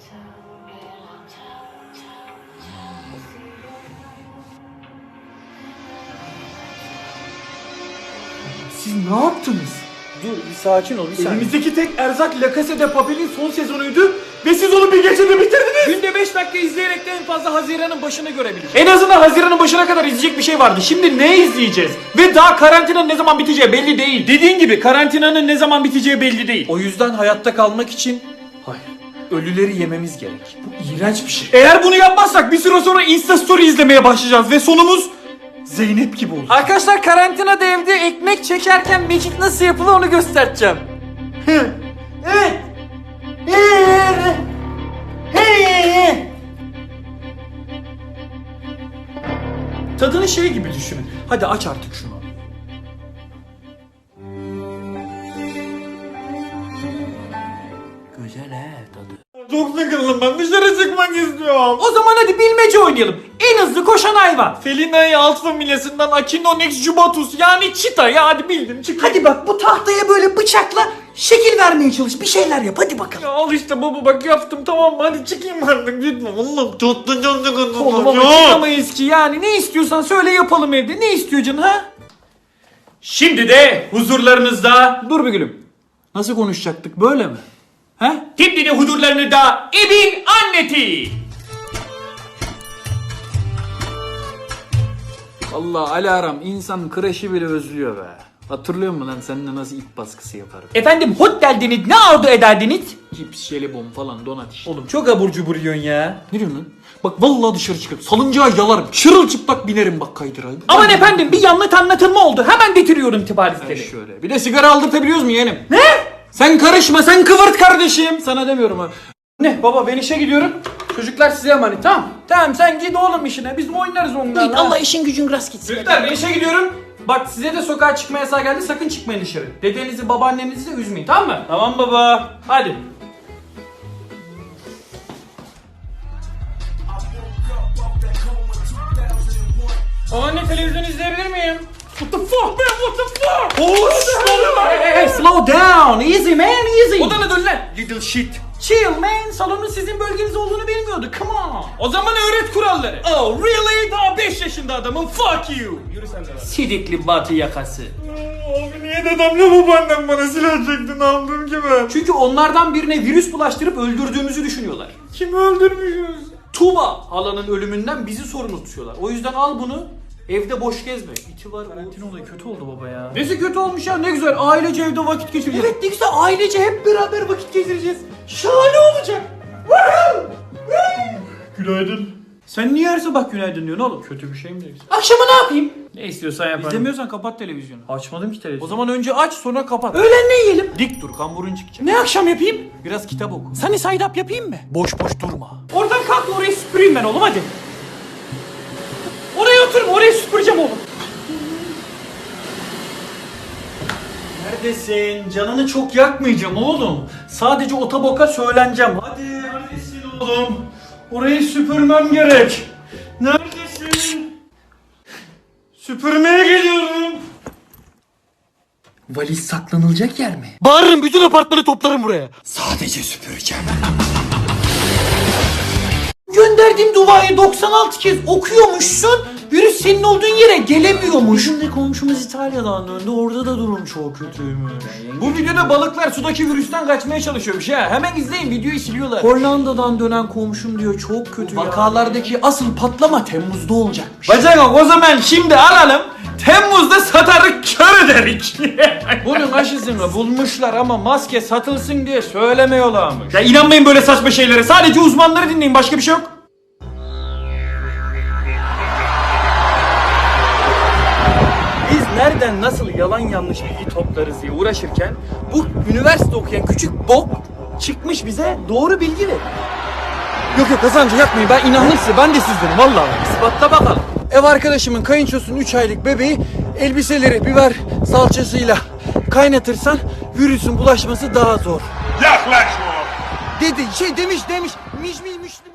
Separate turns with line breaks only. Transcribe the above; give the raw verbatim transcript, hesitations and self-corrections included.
Siz ne yaptınız?
Dur bir sakin ol bir saniye.
Elimizdeki tek erzak La Casa de Papel'in son sezonuydu ve siz onu bir gecede bitirdiniz.
Günde beş dakika izleyerek de en fazla Haziran'ın başını görebiliriz.
En azından Haziran'ın başına kadar izleyecek bir şey vardı. Şimdi ne izleyeceğiz? Ve daha karantinanın ne zaman biteceği belli değil.
Dediğin gibi karantinanın ne zaman biteceği belli değil.
O yüzden hayatta kalmak için
Hayır. Ölüleri yememiz gerek.
bu iğrenç bir şey. Eğer bunu yapmazsak bir süre sonra Insta Story izlemeye başlayacağız ve sonumuz Zeynep gibi olur.
Arkadaşlar karantinada evde ekmek çekerken mekik nasıl yapılır onu göstereceğim.
Evet. Tadını şey gibi düşünün. Hadi aç artık şunu.
Güzel he tadı.
Çok sıkıldım, ben dışarı çıkmak istiyorum.
O zaman hadi bilmece oynayalım. En hızlı koşan hayvan.
Felina'yı alt familyasından Echinonex jubatus yani çita ya, hadi bildim çık.
Hadi bak bu tahtaya böyle bıçakla şekil vermeye çalış. Bir şeyler yap hadi bakalım.
Ya al işte baba, bak yaptım, tamam mı, hadi çıkayım artık lütfen. Allah'ım çok da çok sıkıldım.
Oğlum ama çıkamayız ki yani. Ne istiyorsan söyle yapalım evde. Ne istiyor canın ha?
Şimdi de huzurlarınızda
Dur bir gülüm. Nasıl konuşacaktık böyle mi? He?
Şimdi de huzurlarınızda Ebin Anneti.
Allah alarm insan kreşi bile özlüyor be. Hatırlıyor musun lan seninle nasıl ip baskısı yaparım?
Efendim hot geldiniz, ne arzu ederdiniz?
Cips, jelibon falan donat işte.
Oğlum çok abur cubur yiyorsun ya.
Ne diyorsun lan? Bak vallahi dışarı çıkıp salıncağa yalarım. Çırılçıplak binerim bak kaydıra.
Aman efendim, bir yanlış anlatılma oldu. Hemen getiriyorum tip
Ben
hadisleri.
şöyle. Bir de sigara aldırtabiliyoruz mu yeğenim? Ne? Sen karışma, sen kıvırt kardeşim. Sana demiyorum ha. Ne baba, ben işe gidiyorum. Çocuklar size emanet, tamam. Tamam sen git oğlum işine, biz oynarız onlarla.
Allah işin gücün rast gitsin.
Çocuklar ben işe gidiyorum. Bak size de sokağa çıkma yasağı geldi, sakın çıkmayın dışarı. Dedenizi babaannenizi de üzmeyin, tamam mı?
Tamam baba.
Hadi.
Babaanne, televizyon izleyebilir miyim?
What the fuck man, what the fuck?
Hoş
Hey, hey, hey, slow down, easy man, easy.
Odana dön lan. Little shit.
Chill man, salonun sizin bölgeniz olduğunu bilmiyordu, come on.
O zaman öğret kuralları. Oh really? Daha beş yaşında adamım. Fuck you. Yürü sen de lan.
Sidikli batı yakası.
Abi niye dedemle babaannem bana silah çekti, ne yaptım ki ben?
Çünkü onlardan birine virüs bulaştırıp öldürdüğümüzü düşünüyorlar.
Kimi öldürmüşüz?
Tuba halanın ölümünden bizi sorumlu tutuyorlar. O yüzden al bunu, evde boş gezme. İti var.
Karantina olayı kötü oldu baba ya.
Nesi kötü olmuş ya, ne güzel ailece evde vakit geçireceğiz.
Evet ne güzel, ailece hep beraber vakit geçireceğiz. Şahane olacak. Günaydın.
Sen niye her sabah günaydın diyorsun oğlum?
Kötü bir şey mi diyorsun?
Akşama ne yapayım?
Ne istiyorsan yaparım.
İzlemiyorsan kapat televizyonu.
Açmadım ki
O
televizyonu.
zaman önce aç sonra kapat.
Öğlen ne yiyelim?
Dik dur, kamburun çıkacak.
Ne akşam yapayım?
Biraz kitap oku.
Sunny side up yapayım mı?
Boş boş durma.
Oradan kalk, orayı süpüreyim ben oğlum hadi. Oraya oturma, orayı süpüreceğim oğlum.
Neredesin? Canını çok yakmayacağım oğlum. Sadece otoboka söyleneceğim. Hadi neredesin oğlum? Orayı süpürmem gerek. Neredesin? Süpürmeye geliyorum.
Valiz saklanılacak yer mi?
Bağırırım, bütün apartmanı toplarım buraya.
Sadece süpüreceğim.
Gönderdiğim duayı doksan altı kez okuyormuşsun. Virüs senin olduğun yere gelemiyormuş.
Bizim de komşumuz İtalya'dan döndü, orada da durum çok kötüymüş.
Bu videoda balıklar sudaki virüsten kaçmaya çalışıyormuş ha. Hemen izleyin, videoyu siliyorlar.
Hollanda'dan dönen komşum diyor çok kötü ya.
Vakalardaki asıl patlama Temmuz'da olacakmış.
Bacak o zaman şimdi alalım. Temmuz'da satarık, kör ederik.
Bunun aşısını bulmuşlar ama maske satılsın diye söylemiyorlarmış.
Ya inanmayın böyle saçma şeylere. Sadece uzmanları dinleyin, başka bir şey yok.
Biz nereden nasıl yalan yanlış bilgi toplarız diye uğraşırken bu üniversite okuyan küçük bok çıkmış bize doğru bilgi ver.
Yok yok Hasan'cı yapmayın, ben inandım size, ben de sizdenim vallahi.
İspatla bakalım.
Ev arkadaşımın kayınçosunun üç aylık bebeği elbiseleri biber salçasıyla kaynatırsan virüsün bulaşması daha zor.
Yaklaşma.
Dedi şey demiş demiş miş miş miş